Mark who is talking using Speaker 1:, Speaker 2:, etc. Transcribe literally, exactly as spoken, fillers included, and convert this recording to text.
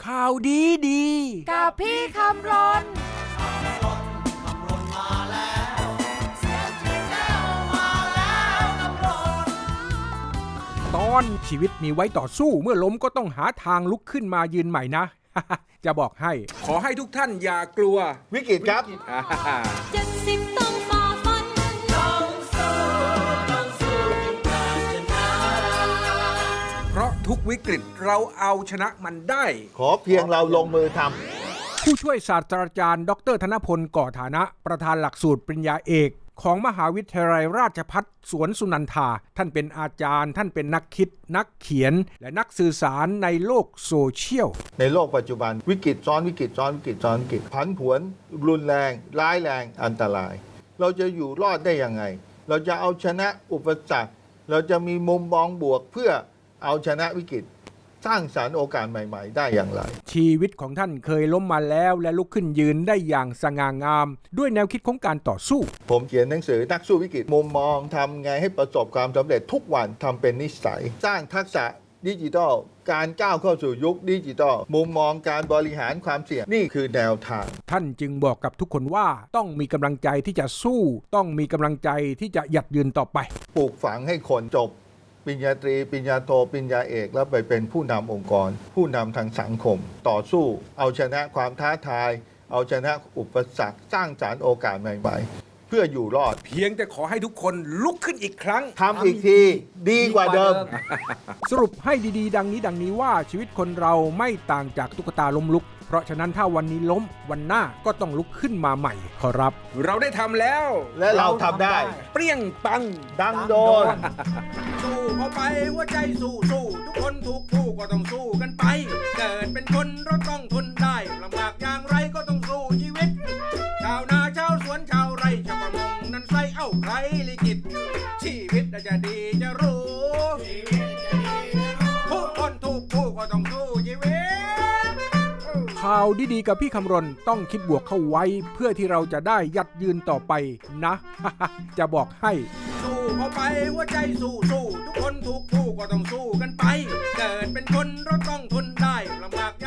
Speaker 1: ข่าวดีดี
Speaker 2: กับพี่คำรน
Speaker 1: ตอนชีวิตมีไว้ต่อสู้เมื่อล้มก็ต้องหาทางลุกขึ้นมายืนใหม่นะ จะบอกให้ขอให้ทุกท่านอย่ากลัว
Speaker 3: วิกฤตครับ
Speaker 2: เจ็ดสิบต้องฝ่าฟันต้องสู้ต้องสู้การชนะ
Speaker 1: เพราะทุกวิกฤตเราเอาชนะมันได้
Speaker 3: ขอเพียงเราลงมือทำ
Speaker 1: ผู้ช่วยศาสตราจารย์ดรธนพลก่อฐานะประธานหลักสูตรปริญญาเอกของมหาวิทยาลัยราชภัฏสวนสุนันทาท่านเป็นอาจารย์ท่านเป็นนักคิดนักเขียนและนักสื่อสารในโลกโซเชียล
Speaker 3: ในโลกปัจจุบันวิกฤตซ้อนวิกฤตซ้อนวิกฤตซ้อนวิกฤตผันผวนรุนแรงร้ายแรงอันตรายเราจะอยู่รอดได้ยังไงเราจะเอาชนะอุปสรรคเราจะมีมุมมองบวกเพื่อเอาชนะวิกฤตสร้างสรรค์โอกาสใหม่ๆได้อย่างไร
Speaker 1: ชีวิตของท่านเคยล้มมาแล้วและลุกขึ้นยืนได้อย่างสง่างามด้วยแนวคิดของการต่อสู้
Speaker 3: ผมเขียนหนังสือนักสู้วิกฤตมุมมองทำไงให้ประสบความสำเร็จทุกวันทำเป็นนิสัยสร้างทักษะดิจิทัลการก้าวเข้าสู่ยุคดิจิทัลมุมมองการบริหารความเสี่ยงนี่คือแนวทาง
Speaker 1: ท่านจึงบอกกับทุกคนว่าต้องมีกำลังใจที่จะสู้ต้องมีกำลังใจที่จะหยัดยืนต่อไป
Speaker 3: ปลูกฝังให้คนจบปริญญาตรีปริญญาโทปริญญาเอกแล้วไปเป็นผู้นำองค์กรผู้นำทางสังคมต่อสู้เอาชนะความท้าทายเอาชนะอุปสรรคสร้างสรรค์โอกาสใหม่ๆเพื่ออยู่รอด
Speaker 1: เพียงแต่ขอให้ทุกคนลุกขึ้นอีกครั้ง
Speaker 3: ทำอีกทีดีกว่าเดิม
Speaker 1: สรุปให้ดีๆดังนี้ดังนี้ว่าชีวิตคนเราไม่ต่างจากตุ๊กตาล้มลุกเพราะฉะนั้นถ้าวันนี้ล้มวันหน้าก็ต้องลุกขึ้นมาใหม่ขอรับเราได้ทำแล้ว
Speaker 3: และเราทำได้
Speaker 1: เปรี้ยงปัง
Speaker 3: ดังโดน
Speaker 1: สู้เข้าไปหัวใจสู้สู้ทุกคนทุกผู้ก็ต้องสู้กันไปเกิดเป็นคนเราต้องทนได้ลำบากอย่างไรก็ต้องสู้ชีวิตชาวนาชาวสวนชาวไร่ชาวประมงนั้นใส่เอ้าใครลิขิตชีวิตจะดีจะรู้ทุกคนทุกผู้ก็ต้องสู้ชีวิตข่าวดีๆกับพี่คำรณต้องคิดบวกเข้าไว้เพื่อที่เราจะได้ยัดยืนต่อไปนะ จะบอกให้สู้เข้าไปหัวใจสู้สู้ทุกคนทุกผู้ก็ต้องสู้กันไปเกิดเป็นคนเราต้องทนได้ลำบาก